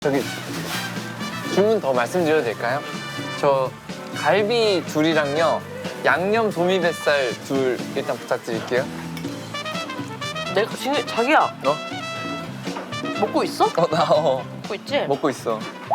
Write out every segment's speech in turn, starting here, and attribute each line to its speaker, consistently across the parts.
Speaker 1: 저기 주문 더 말씀드려도 될까요? 저 갈비 둘이랑요 양념 도미뱃살 둘 일단 부탁드릴게요.
Speaker 2: 내가 지금 자기야
Speaker 1: 너?
Speaker 2: 먹고 있어?
Speaker 1: 나
Speaker 2: 먹고 있지?
Speaker 1: 먹고 있어.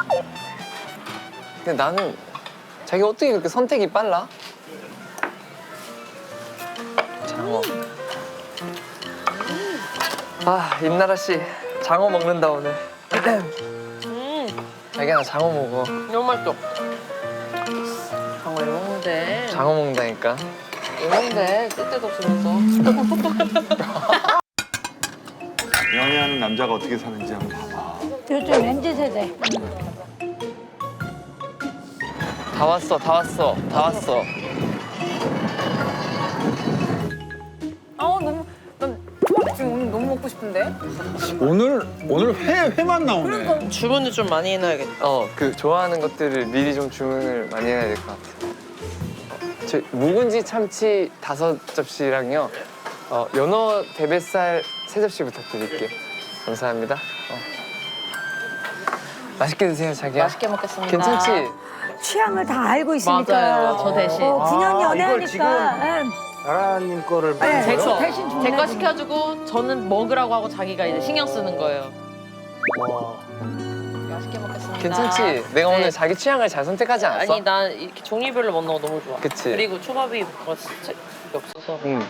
Speaker 1: 근데 나는 자기 어떻게 그렇게 선택이 빨라? 장어. 아 임나라 씨 장어 먹는다 오늘. 자기야 나 장어 먹어.
Speaker 2: 너무 맛있어. 장어 왜 먹는데?
Speaker 1: 장어 먹는다니까.
Speaker 2: 왜 먹는데? 쓸데도 없으면서.
Speaker 3: 연애하는 남자가 어떻게 사는지 한번 봐봐.
Speaker 4: 요즘 MZ 세대.
Speaker 1: 다 왔어 다 왔어 다 왔어.
Speaker 5: 난 초밥 지금 오늘 너무 먹고 싶은데?
Speaker 3: 오늘 회만 나오네.
Speaker 2: 주문을 좀 많이 해놔야겠다.
Speaker 1: 그 좋아하는 것들을 미리 좀 주문을 많이 해야 될 것 같아요. 저 묵은지 참치 5접시랑요. 연어 대뱃살 3접시 부탁드릴게요. 감사합니다. 맛있게 드세요, 자기야.
Speaker 2: 맛있게 먹겠습니다.
Speaker 1: 괜찮지?
Speaker 4: 취향을 다 알고 있으니까.
Speaker 2: 맞아요, 저 대신.
Speaker 4: 9년
Speaker 3: 이걸
Speaker 4: 연애하니까.
Speaker 3: 지금 나라님 거를
Speaker 4: 네,
Speaker 2: 제 거.
Speaker 4: 대신 주문해
Speaker 2: 제 거 시켜주고 저는 먹으라고 하고 자기가 이제 신경 쓰는 거예요. 맛있게 먹겠습니다.
Speaker 1: 괜찮지? 내가
Speaker 2: 네.
Speaker 1: 오늘 자기 취향을 잘 선택하지 않았어?
Speaker 2: 아니 난 이렇게 종류별로 먹는 거 너무 좋아.
Speaker 1: 그치?
Speaker 2: 그리고 초밥이 뭐가 진짜 없어서.
Speaker 1: 응.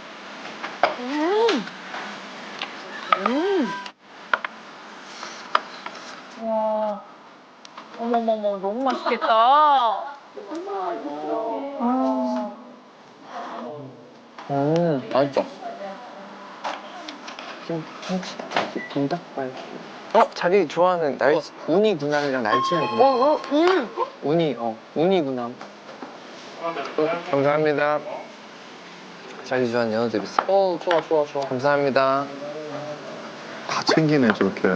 Speaker 2: 와. 어머머머 너무 맛있겠다.
Speaker 1: 맛있어. 김닭발. 자기 좋아하는 우니 군함이랑 날치알 군함. 우니 군함. 감사합니다. 자기 좋아하는 연어 대비살.
Speaker 2: 좋아.
Speaker 1: 감사합니다.
Speaker 3: 다 챙기네 저렇게.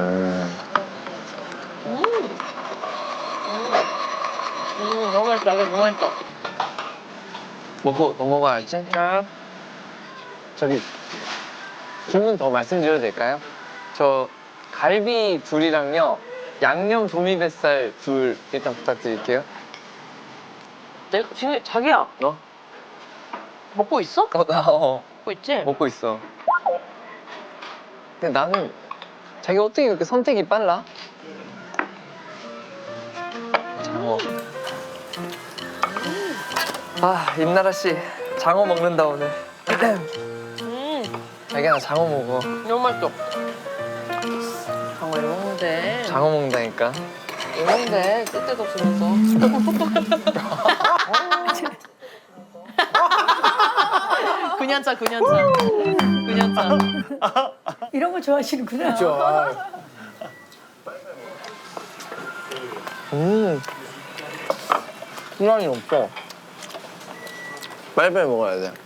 Speaker 2: 너무 맛있다. 너무 맛있다.
Speaker 1: 먹고 넘어가야지. 저기 주문 더 말씀드려도 될까요? 저 갈비 둘이랑요 양념 도미뱃살 둘 일단 부탁드릴게요.
Speaker 2: 내가 지금 자기야
Speaker 1: 너?
Speaker 2: 먹고 있어?
Speaker 1: 나
Speaker 2: 먹고 있지?
Speaker 1: 먹고 있어. 근데 나는 자기 어떻게 그렇게 선택이 빨라? 장어. 임나라 씨 장어 먹는다 오늘. 자기야 나 장어 먹어.
Speaker 2: 너무 맛있어. 장어 왜 먹는데?
Speaker 1: 장어 먹는다니까.
Speaker 2: 왜 먹는데? 쓸데도 없으면서. 근년차.
Speaker 4: 이런 거 좋아하시는구나.
Speaker 1: 시간이 없어. 빨리빨리 먹어야 돼.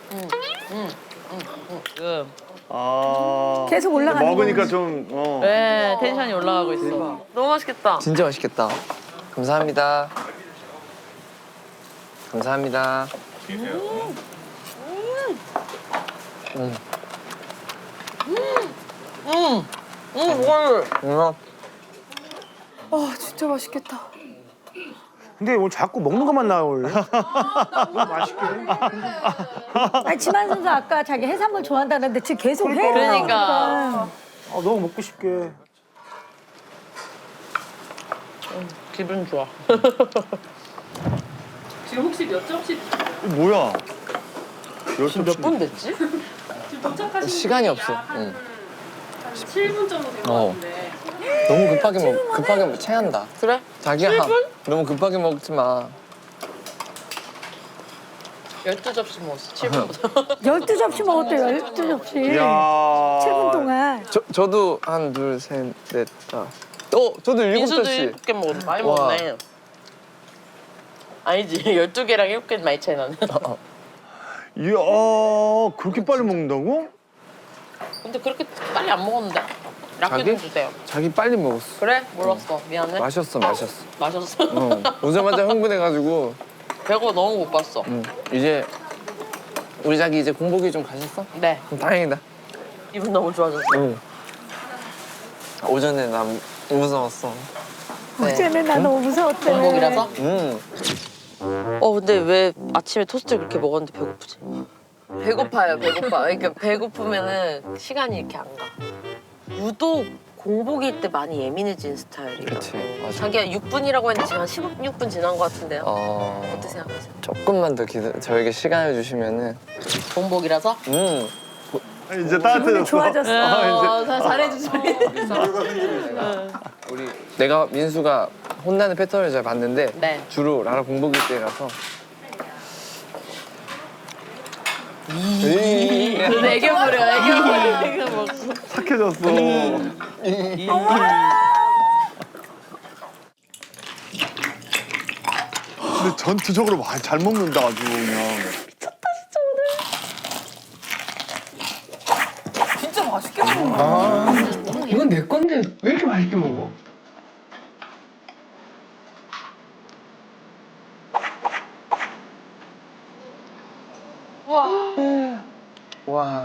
Speaker 2: 지금
Speaker 4: 계속 올라가는
Speaker 3: 먹으니까
Speaker 4: 거.
Speaker 3: 좀
Speaker 2: 네 텐션이 올라가고 있어. 너무 맛있겠다.
Speaker 1: 진짜 맛있겠다. 감사합니다. 감사합니다.
Speaker 2: 이거를.
Speaker 5: 진짜 맛있겠다.
Speaker 6: 근데 오늘 자꾸 먹는 것만 나올래? 너무 맛있게.
Speaker 4: 아니, 지만 선수 아까 자기 해산물 좋아한다는데 지금 계속 회
Speaker 2: 그러니까.
Speaker 4: 나오니까.
Speaker 6: 너무 먹고 싶게.
Speaker 2: 기분 좋아.
Speaker 7: 지금 혹시 몇 점씩
Speaker 3: 뭐야?
Speaker 2: 지금 몇 분 됐지?
Speaker 7: 지금 도착하신
Speaker 1: 시간이
Speaker 7: 분이
Speaker 1: 없어.
Speaker 7: 한
Speaker 1: 응.
Speaker 7: 7분 정도 된 것 같은데
Speaker 1: 너무 급하게 먹 체한다.
Speaker 2: 그래?
Speaker 1: 자기야
Speaker 2: 7분?
Speaker 1: 너무 급하게 먹지 마.
Speaker 2: 12접시 먹었어. 7분보다.
Speaker 4: 12접시 먹었대, 12접시.
Speaker 3: 이야.
Speaker 4: 7분 동안.
Speaker 1: 저도 한 둘, 셋, 넷, 다. 저도
Speaker 2: 민수도
Speaker 1: 7접시.
Speaker 2: 7개 먹었어. 많이
Speaker 1: 와.
Speaker 2: 먹었네. 아니지. 12개랑 7개 많이 차이 나네.
Speaker 3: 이야, 그렇게 빨리 먹는다고?
Speaker 2: 근데 그렇게 빨리 안 먹었는데. 약게 좀
Speaker 1: 자기?
Speaker 2: 주세요.
Speaker 1: 자기 빨리 먹었어.
Speaker 2: 그래? 몰랐어. 미안해.
Speaker 1: 마셨어.
Speaker 2: 마셨어.
Speaker 1: 오자마자 흥분해가지고.
Speaker 2: 배고 너무 고팠어.
Speaker 1: 이제 우리 자기 이제 공복이 좀 가셨어?
Speaker 2: 네.
Speaker 1: 그럼 다행이다.
Speaker 2: 기분 너무 좋아졌어.
Speaker 1: 응. 오전에 난 무서웠어.
Speaker 4: 어제는 나 너무 무서웠대.
Speaker 2: 공복이라서?
Speaker 1: 음.
Speaker 2: 근데 왜 아침에 토스트를 그렇게 먹었는데 배고프지? 배고파요, 배고파. 그러니까 배고프면은 시간이 이렇게 안 가. 유독 공복일 때 많이 예민해진 스타일이에요.
Speaker 1: 그치, 맞아.
Speaker 2: 자기가 6분이라고 했는데 지금 한 16분 지난 것 같은데요? 어떻게 생각하세요?
Speaker 1: 조금만 더 저에게 시간을 주시면은.
Speaker 2: 공복이라서?
Speaker 3: 이제 따뜻해졌어.
Speaker 4: 좋아졌어.
Speaker 2: 잘해주세요.
Speaker 1: 내가 민수가 혼나는 패턴을 잘 봤는데
Speaker 2: 네.
Speaker 1: 주로 라라 공복일 때라서.
Speaker 2: 애교 부려, 애교 먹고.
Speaker 3: 착해졌어. 근데 전투적으로 잘 먹는다 아주 그냥.
Speaker 5: 진짜 맛있게 먹는다.
Speaker 1: 이건 내 건데 왜 이렇게 맛있게 먹어? 와.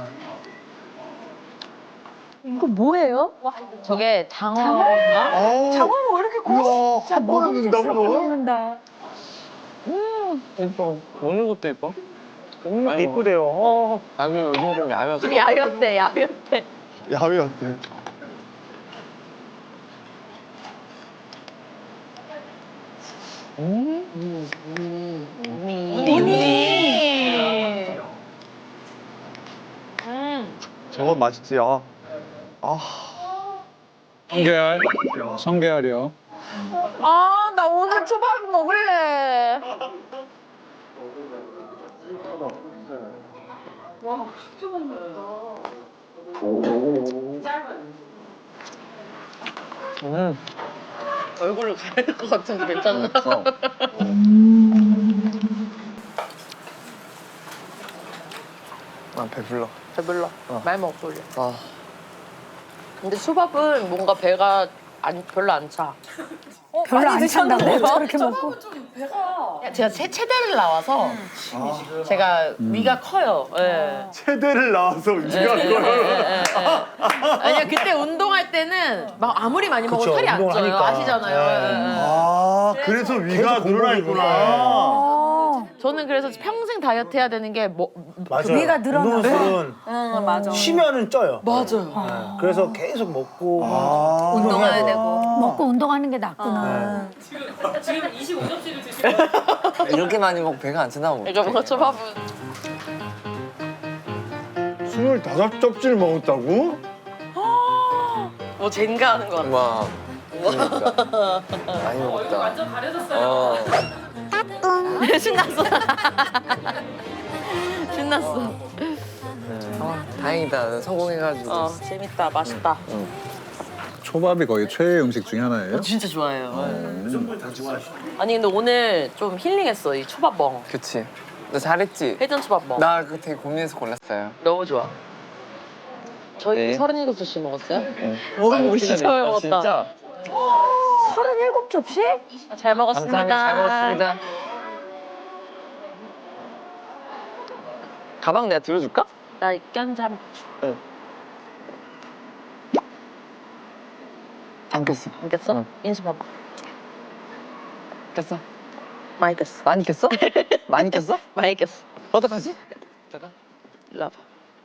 Speaker 4: 이거 뭐예요?
Speaker 2: 저게 장어.
Speaker 3: 장어가 왜 이렇게 커? 한 번에 넣는다고 너?
Speaker 4: 먹는다.
Speaker 1: 예뻐. 먹는 것도 예뻐.
Speaker 6: 이쁘대요.
Speaker 1: 나중에 요즘 좀 야외서.
Speaker 2: 야였대, 야였대.
Speaker 3: 야외 어때? 저거 맛있지.
Speaker 8: 성게알, 성게알이요.
Speaker 2: 아, 나 오늘 초밥 먹을래. 얼굴을 가릴 것 같은데 괜찮나?
Speaker 1: 배불러.
Speaker 2: 배불러. 말 먹고 올려.
Speaker 1: 아.
Speaker 2: 근데 초밥은 뭔가 배가 별로 안 차.
Speaker 4: 별로 안 찬다고 저렇게 먹고.
Speaker 2: 제가 체대를 나와서 제가 위가 커요. 예.
Speaker 3: 체대를 나와서 위가
Speaker 2: 예,
Speaker 3: 커요.
Speaker 2: 예. 아니야 그때 운동할 때는 막 아무리 많이 먹어도
Speaker 6: 그쵸,
Speaker 2: 살이 안
Speaker 6: 운동을
Speaker 2: 쪄요.
Speaker 6: 하니까.
Speaker 2: 아시잖아요.
Speaker 3: 아, 그래서 위가
Speaker 6: 계속
Speaker 3: 늘어나
Speaker 6: 공복이구나.
Speaker 3: 있구나.
Speaker 2: 저는 그래서 평생 다이어트 해야 되는 게
Speaker 6: 맞아요.
Speaker 4: 위가 늘어나서.
Speaker 6: 운동술은
Speaker 5: 응, 맞아.
Speaker 6: 쉬면은 쪄요.
Speaker 2: 맞아요.
Speaker 6: 네. 그래서 계속 먹고
Speaker 5: 운동해야 되고.
Speaker 4: 먹고 운동하는 게 낫구나.
Speaker 7: 지금 25접시를 드시고
Speaker 1: 이렇게 많이 먹고 배가 안 차나
Speaker 2: 그러니까 뭔가 초밥은
Speaker 3: 25접시를 먹었다고?
Speaker 2: 뭐 젠가 하는 거 같아.
Speaker 1: 와. 그러니까. 많이 먹었다.
Speaker 7: 완전 가려졌어요.
Speaker 2: 신났어. 신났어.
Speaker 1: 다행이다. 성공해가지고.
Speaker 2: 재밌다. 맛있다.
Speaker 8: 초밥이 거의 최애 음식 중에 하나예요.
Speaker 2: 진짜 좋아해요. 아니 근데 오늘 좀 힐링했어 이 초밥멍.
Speaker 1: 그치. 너 잘했지?
Speaker 2: 회전 초밥멍.
Speaker 1: 나 그거 되게 고민해서 골랐어요.
Speaker 2: 너무 좋아. 저희
Speaker 1: 네.
Speaker 2: 37접시 먹었어요?
Speaker 1: 우리
Speaker 2: 진짜 많이 먹었다.
Speaker 1: 진짜.
Speaker 4: 37접시?
Speaker 2: 잘 먹었습니다.
Speaker 1: 감사합니다. 잘 먹었습니다. 가방 내가 들어줄까?
Speaker 2: 나 입견잠.
Speaker 1: 안 꼈어.
Speaker 2: 안 깼어?
Speaker 1: 응.
Speaker 2: 인수 봐봐.
Speaker 1: 꼈어?
Speaker 2: 많이 깼어.
Speaker 1: 많이 꼈어? 많이 꼈어?
Speaker 2: 많이 깼어.
Speaker 1: 어떡하지? 잠깐.
Speaker 2: 일로 와봐.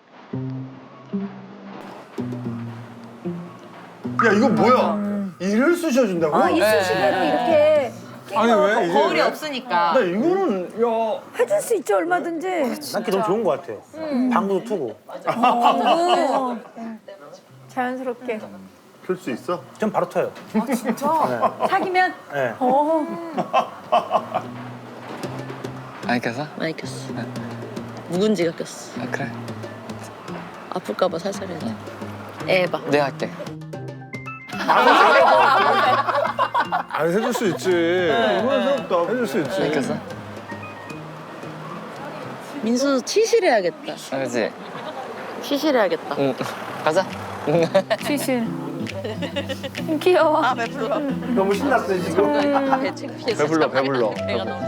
Speaker 3: 야, 이거 뭐야? 이를 쑤셔준다고?
Speaker 4: 아, 이쑤시개로 이렇게
Speaker 3: 아니, 왜? 이게
Speaker 2: 거울이
Speaker 3: 왜?
Speaker 2: 없으니까.
Speaker 3: 나 이거는, 야.
Speaker 4: 해줄 수 있죠, 얼마든지.
Speaker 6: 난 그게 너무 좋은 것 같아요. 방구도 트고.
Speaker 4: 자연스럽게.
Speaker 3: 풀 수 있어?
Speaker 6: 전 바로 터요.
Speaker 4: 사귀면?
Speaker 6: 네.
Speaker 1: 많이 꼈어?
Speaker 2: 많이 꼈어. 묵은지가 꼈어.
Speaker 1: 아, 그래.
Speaker 2: 아플까봐 살살 해야 돼. 에바.
Speaker 1: 내가 할게.
Speaker 3: 아니, 해줄 수 있지. 이거는 해줄 수 있지.
Speaker 1: 많이 꼈어?
Speaker 2: 민수 치실해야겠다.
Speaker 1: 아, 그치?
Speaker 2: 치실해야겠다.
Speaker 1: 응. 가자.
Speaker 4: 시실. 귀여워.
Speaker 2: 아 배불러.
Speaker 6: 너무 신났어요 지금.
Speaker 2: 배 창피해서.
Speaker 3: 배불러,
Speaker 2: 잠가야
Speaker 3: 배불러.
Speaker 2: 돼. 배가 너무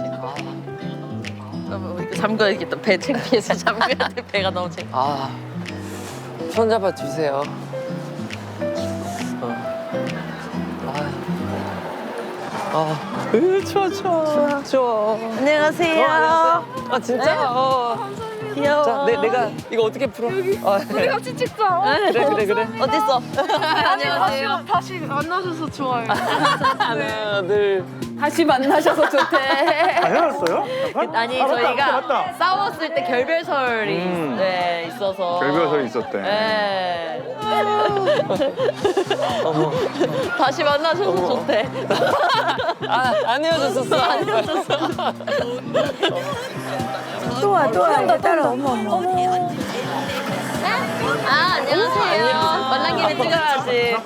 Speaker 2: 창피해. 잠가야겠다. 배 창피해서 잠가야 돼. 배가 너무 창피해.
Speaker 1: 아. 손 잡아 주세요. 추워.
Speaker 2: 안녕하세요.
Speaker 1: 아 진짜?
Speaker 2: 귀여워.
Speaker 1: 자, 내가 이거 어떻게 풀어? 우리
Speaker 5: 같이 찍자.
Speaker 1: 그래.
Speaker 2: 어딨어?
Speaker 5: 안녕하세요. 다시 만나셔서 좋아요.
Speaker 1: 하나, 둘.
Speaker 5: 다시 만나셔서 좋대.
Speaker 6: 아, 헤어졌어요?
Speaker 2: 아니
Speaker 6: 맞다,
Speaker 2: 저희가
Speaker 6: 맞다.
Speaker 2: 싸웠을 때 결별설이 네, 있어서
Speaker 3: 결별설이 있었대.
Speaker 2: 네. 다시 만나셔서 좋대.
Speaker 1: 안 헤어졌었어.
Speaker 2: 안 헤어졌어.
Speaker 4: 또 와, 이제 따라. 어머.
Speaker 2: 아 안녕하세요. 만난 김에 찍어야지.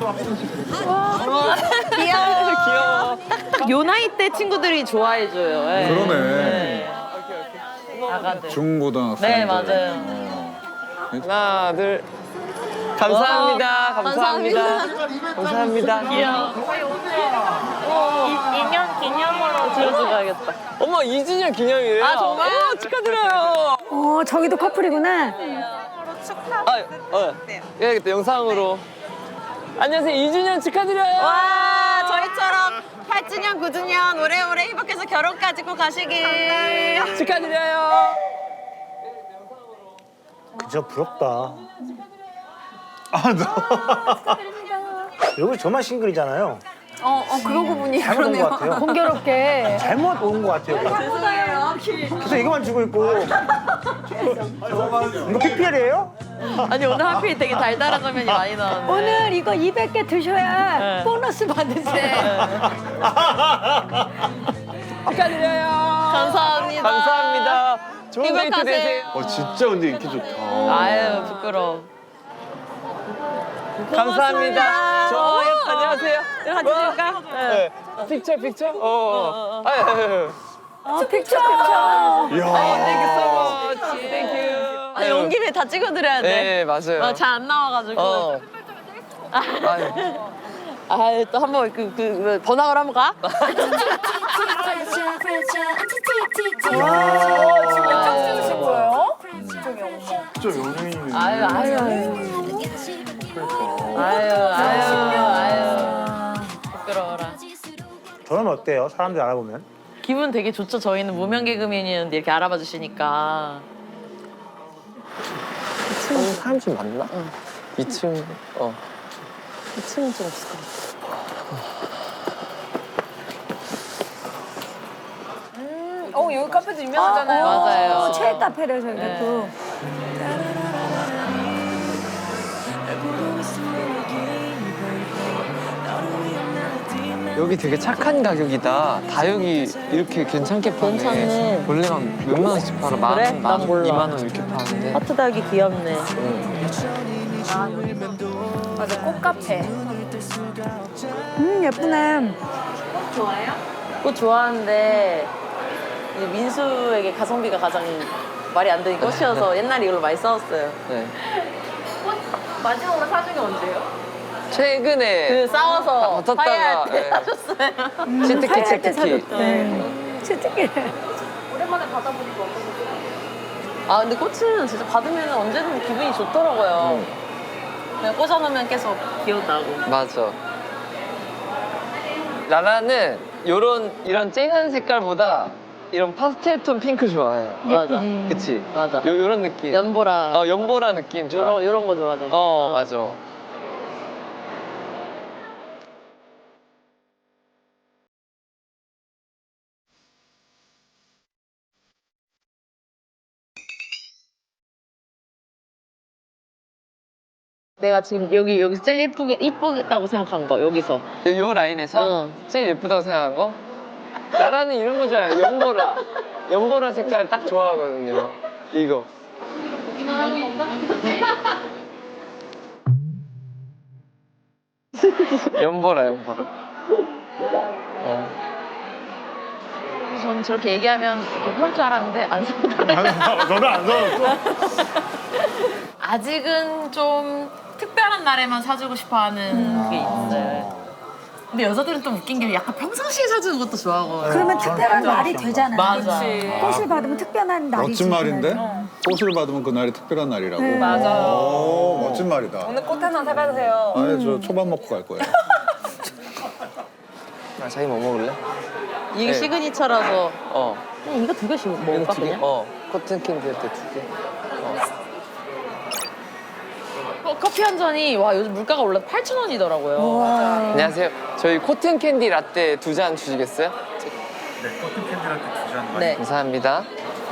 Speaker 2: 귀여워. 요 나이 때 친구들이 좋아해줘요. 네.
Speaker 8: 그러네.
Speaker 2: 아가들.
Speaker 8: 중고등학생.
Speaker 2: 네 맞아요.
Speaker 1: 하나, 둘. 감사합니다. 감사합니다.
Speaker 2: 귀여워. 2년 기념으로 들어줘야겠다.
Speaker 1: 어머, 2주년 기념이래요.
Speaker 2: 아, 정말?
Speaker 1: 축하드려요.
Speaker 4: 저기도 커플이구나.
Speaker 1: 해야겠다, 영상으로. 안녕하세요, 2주년 축하드려요.
Speaker 2: 와 저희처럼 8주년 9주년 오래오래 행복해서 결혼까지 꼭 가시길.
Speaker 1: 축하드려요.
Speaker 6: 그저 부럽다. 여기 저만 싱글이잖아요.
Speaker 5: 그러고 보니
Speaker 6: 잘못 온 것 같아요.
Speaker 4: 공교롭게.
Speaker 6: 잘못 온 것 같아요. 계속 이거만 주고 있고. 이거 PPL이에요?
Speaker 2: 아니 오늘 하필 되게 달달한 장면이 많이 나왔네.
Speaker 4: 오늘 이거 200개 드셔야
Speaker 2: 네.
Speaker 4: 보너스 받으세요.
Speaker 1: 축하드려요.
Speaker 2: 감사합니다.
Speaker 1: 감사합니다. 좋은 데이트
Speaker 2: 행복하세요.
Speaker 1: 되세요.
Speaker 3: 진짜 근데 인기 좋다.
Speaker 2: 아유 부끄러워.
Speaker 1: 감사합니다.
Speaker 2: 어, 예뻐.
Speaker 1: 안녕하세요.
Speaker 2: 같이 찍을까?
Speaker 1: 네. 픽처. 아유.
Speaker 4: 픽처.
Speaker 3: 이야.
Speaker 1: Thank you so much. Thank you.
Speaker 2: 아니 온 김에 다 찍어드려야 돼.
Speaker 1: 네, 맞아요.
Speaker 2: 잘 안 나와가지고.
Speaker 1: 아유.
Speaker 2: 아유 또 한번 그 번학을 한번 가?
Speaker 5: 짱 찍으신 거예요?
Speaker 3: 진짜 연예인이네.
Speaker 2: 아유. 부끄러워라.
Speaker 6: 저는 어때요? 사람들 알아보면?
Speaker 2: 기분 되게 좋죠. 저희는 무명 개그맨이었는데 이렇게 알아봐 주시니까.
Speaker 1: 2층 사람 좀 많나? 2층.
Speaker 2: 2층은 좀 없을 것 같아.
Speaker 5: 여기 카페도 유명하잖아요.
Speaker 2: 맞아요.
Speaker 4: 체육 카페래서 이게
Speaker 2: 네.
Speaker 4: 또.
Speaker 1: 여기 되게 착한 가격이다. 다육이 이렇게 괜찮게 파네.
Speaker 2: 괜찮네.
Speaker 1: 원래 한 몇만 원씩 팔아. 만
Speaker 2: 그래?
Speaker 1: 원,
Speaker 2: 난 몰라.
Speaker 1: 2만 원 이렇게 파는데.
Speaker 2: 하트 닭이 귀엽네.
Speaker 5: 맞아, 꽃카페.
Speaker 4: 예쁘네.
Speaker 2: 꽃 좋아하는데 이제 민수에게 가성비가 가장 말이 안 되는 꽃이어서 옛날에 이걸로 많이 싸웠어요.
Speaker 1: 네.
Speaker 2: 마지막으로 사준 게 언제예요?
Speaker 1: 최근에
Speaker 2: 그 싸워서
Speaker 1: 붙었다가,
Speaker 2: 화해할 때
Speaker 1: 네.
Speaker 2: 사줬어요.
Speaker 1: 치트키.
Speaker 4: 치트키.
Speaker 2: 오랜만에 받아보니까 어떠셨어요? 아 근데 꽃은 진짜 받으면 언제든 기분이 좋더라고요. 그냥 꽂아놓으면 계속 기억나고.
Speaker 1: 맞아. 라라는 이런 쨍한 색깔보다 이런 파스텔 톤 핑크 좋아해요.
Speaker 2: 맞아.
Speaker 1: 그치?
Speaker 2: 맞아.
Speaker 1: 요런 느낌.
Speaker 2: 연보라.
Speaker 1: 연보라 느낌 좋아.
Speaker 2: 요런 거 좋아하잖아.
Speaker 1: 맞아.
Speaker 2: 내가 지금 여기서 제일 이쁘다고 생각한 거 여기서.
Speaker 1: 요 라인에서
Speaker 2: 응.
Speaker 1: 제일 예쁘다고 생각한 거? 라라는 이런 거 좋아해요. 연보라 색깔 딱 좋아하거든요. 이거. 연보라.
Speaker 2: 전 저렇게 얘기하면 그럴 줄 알았는데 안 사더라고요.
Speaker 3: 저는 안 사왔어.
Speaker 2: 아직은 좀 특별한 날에만 사주고 싶어하는 게 있어요. 근데 여자들은 좀 웃긴 게 약간 평상시에 사주는 것도 좋아하고.
Speaker 4: 그러면 특별한 날이 되잖아.
Speaker 2: 맞아.
Speaker 4: 꽃을 받으면 특별한 날이지.
Speaker 8: 멋진 말인데? 꽃을 받으면 그날이 특별한 날이라고.
Speaker 5: 맞아요.
Speaker 8: 오, 멋진 말이다.
Speaker 5: 오늘 꽃 하나 사가세요.
Speaker 8: 아예 저 초밥 먹고 갈 거예요.
Speaker 1: 자기 뭐 먹을래?
Speaker 2: 이게
Speaker 1: 네.
Speaker 2: 시그니처라서
Speaker 1: 어.
Speaker 2: 그냥 이거 2개씩
Speaker 1: 이거
Speaker 2: 먹을까
Speaker 1: 2개?
Speaker 2: 그냥?
Speaker 1: 코튼 캔디 할 때 2개.
Speaker 2: 커피 한 잔이 와 요즘 물가가 올라서 8,000원이더라고요.
Speaker 4: 와.
Speaker 1: 안녕하세요. 저희 코튼 캔디 라떼 2잔 주시겠어요?
Speaker 8: 네, 커튼 캔디라떼 2잔.
Speaker 2: 네.
Speaker 1: 감사합니다.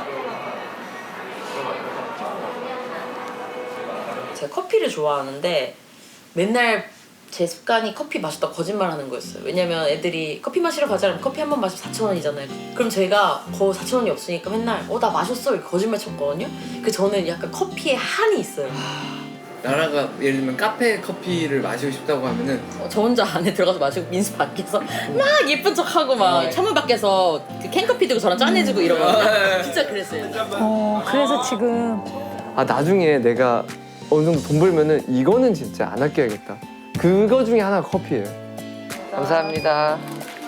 Speaker 2: 제가 커피를 좋아하는데 맨날 제 습관이 커피 마셨다 거짓말하는 거였어요. 왜냐면 애들이 커피 마시러 가자면 커피 한 번 마시면 4,000원이잖아요. 그럼 제가 4,000원이 없으니까 맨날 나 마셨어 이렇게 거짓말 쳤거든요. 그 저는 약간 커피에 한이 있어요.
Speaker 1: 나라가 예를 들면 카페 커피를 마시고 싶다고 하면은
Speaker 2: 저 혼자 안에 들어가서 마시고 민수 밖에서 막 예쁜 척하고 막 창문 밖에서 그 캔커피 들고 저랑 짠해주고 이러거든요. 진짜 그랬어요.
Speaker 4: 그래서 지금
Speaker 1: 나중에 내가 어느 정도 돈 벌면은 이거는 진짜 안 아껴야겠다. 그거 중에 하나가 커피예요. 감사합니다.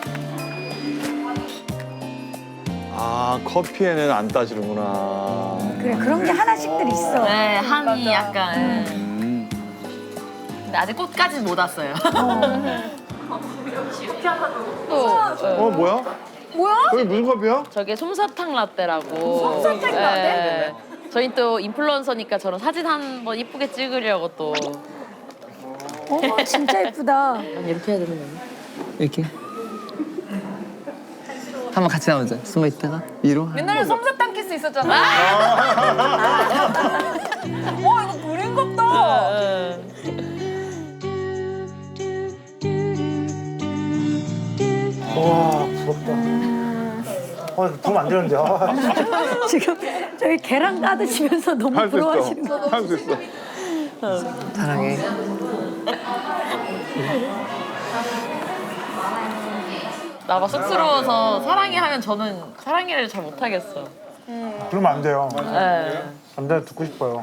Speaker 3: 아 커피에는 안 따지는구나.
Speaker 4: 그래 그런 게 하나씩들 있어.
Speaker 2: 네, 한이 약간. 근데 아직 꽃까지는 못 왔어요.
Speaker 3: 어 뭐야?
Speaker 5: 뭐야?
Speaker 3: 저기 무슨 커피야?
Speaker 2: 저게 솜사탕 라떼라고.
Speaker 5: 솜사탕 라떼?
Speaker 2: 저희 또 인플루언서니까 저런 사진 한번 이쁘게 찍으려고 또.
Speaker 4: 진짜 예쁘다.
Speaker 2: 이렇게 해야 되는 거예요?
Speaker 1: 이렇게. 한번 같이 나오자. 숨어 있다가 위로.
Speaker 5: 옛날에 솜사탕 키스 있었잖아. 와 이거 그림 같다.
Speaker 6: 와 부럽다. 도움 안 되는데.
Speaker 4: 지금 저기 계란 까드시면서 너무
Speaker 3: 할 수
Speaker 4: 부러워하시는
Speaker 3: 있어.
Speaker 4: 거.
Speaker 3: 할 수 있어.
Speaker 1: 사랑해.
Speaker 2: 나가 쑥스러워서 사랑해 하면 저는 사랑해를 잘 못하겠어.
Speaker 6: 그러면 안 돼요.
Speaker 2: 네.
Speaker 6: 안 돼, 듣고 싶어요.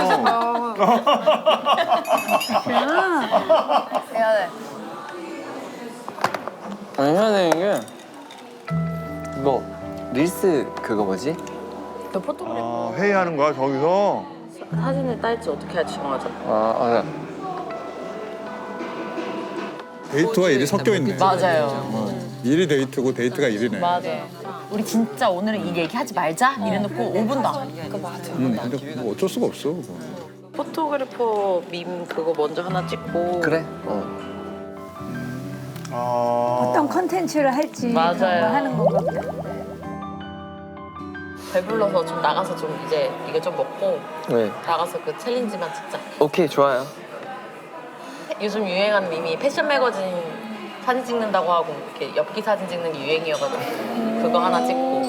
Speaker 5: 해야 돼.
Speaker 1: 당연히 이게 이거 릴스 그거 뭐지?
Speaker 2: 그 포토그래프
Speaker 3: 아 회의하는 거야 저기서?
Speaker 2: 사진을 딸지 어떻게 할지 정하자.
Speaker 1: 맞아.
Speaker 8: 데이트와 일이 섞여 있네.
Speaker 2: 맞아요.
Speaker 8: 일이 데이트고 데이트가 일이네.
Speaker 2: 맞아. 우리 진짜 오늘은 이 얘기하지 말자 이래놓고 5분도 안 하니까. 맞아.
Speaker 8: 근데 뭐 어쩔 수가 없어. 그거.
Speaker 2: 포토그래퍼 밈 그거 먼저 하나 찍고.
Speaker 1: 그래?
Speaker 4: 어떤 컨텐츠를 할지
Speaker 2: 맞아요.
Speaker 4: 그런 걸 하는 건가 보다.
Speaker 2: 배불러서 좀 나가서 좀 이제 이거 좀 먹고
Speaker 1: 네.
Speaker 2: 나가서 그 챌린지만 찍자.
Speaker 1: 오케이 좋아요.
Speaker 2: 요즘 유행하는 밈이 패션 매거진 사진 찍는다고 하고 이렇게 엽기 사진 찍는 게 유행이어가지고 그거 하나 찍고